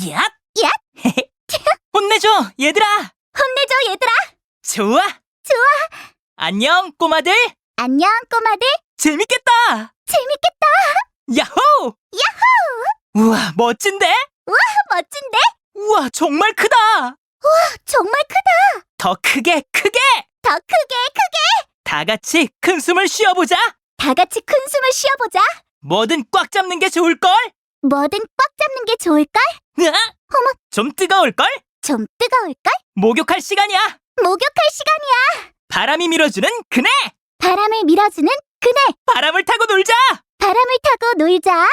야! 야! 혼내줘, 얘들아! 혼내줘, 얘들아! 좋아! 좋아! 안녕, 꼬마들! 안녕, 꼬마들! 재밌겠다! 재밌겠다! 야호! 야호! 우와, 멋진데? 멋진데? 우와, 정말 크다! 정말 크다! 더 크게, 크게! 더 크게, 크게! 다 같이 큰 숨을 쉬어보자! 다 같이 큰 숨을 쉬어보자! 뭐든 꽉 잡는 게 좋을걸? 뭐든 꽉 잡는 게 좋을걸? 으아! 어머. 좀 뜨거울걸? 좀 뜨거울걸? 목욕할 시간이야! 목욕할 시간이야! 바람이 밀어주는 그네! 바람을 밀어주는 그네! 바람을 타고 놀자! 바람을 타고 놀자!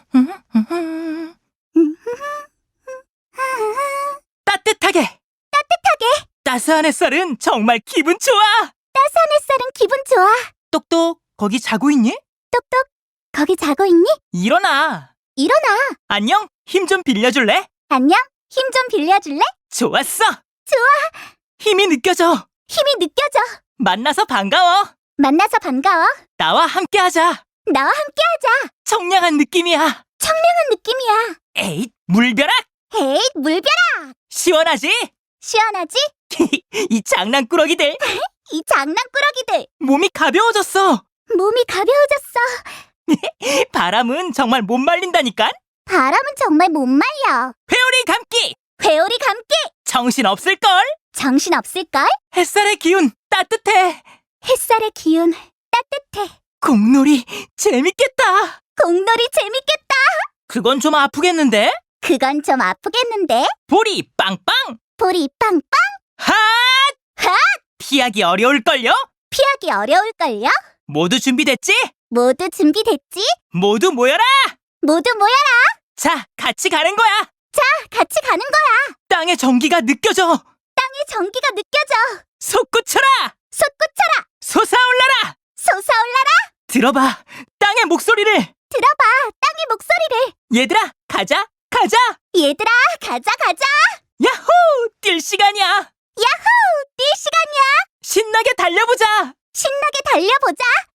따뜻하게! 따뜻하게! 따스한 햇살은 정말 기분 좋아! 따스한 햇살은 기분 좋아! 똑똑, 거기 자고 있니? 똑똑, 거기 자고 있니? 일어나! 일어나! 안녕, 힘 좀 빌려줄래? 안녕? 힘 좀 빌려줄래? 좋았어! 좋아! 힘이 느껴져! 힘이 느껴져! 만나서 반가워! 만나서 반가워! 나와 함께하자! 나와 함께하자! 청량한 느낌이야! 청량한 느낌이야! 에잇, 물벼락! 헤이, 물벼락! 시원하지? 시원하지? 이 장난꾸러기들! 이 장난꾸러기들! 몸이 가벼워졌어! 몸이 가벼워졌어! 바람은 정말 못 말린다니까? 바람은 정말 못 말려! 회오리 감기! 회오리 감기! 정신 없을걸? 정신 없을걸? 햇살의 기운 따뜻해! 햇살의 기운 따뜻해! 공놀이 재밌겠다! 공놀이 재밌겠다! 그건 좀 아프겠는데? 그건 좀 아프겠는데? 볼이 빵빵! 볼이 빵빵! 핫! 핫! 피하기 어려울걸요? 피하기 어려울걸요? 모두 준비됐지? 모두 준비됐지? 모두 모여라! 모두 모여라! 자, 같이 가는 거야! 같이 가는 거야! 땅의 전기가 느껴져! 땅의 전기가 느껴져! 솟구쳐라! 솟구쳐라! 솟아올라라! 솟아올라라! 들어봐! 땅의 목소리를! 들어봐! 땅의 목소리를! 얘들아, 가자! 가자! 얘들아, 가자, 가자! 야호! 뛸 시간이야! 야호! 뛸 시간이야! 신나게 달려보자! 신나게 달려보자!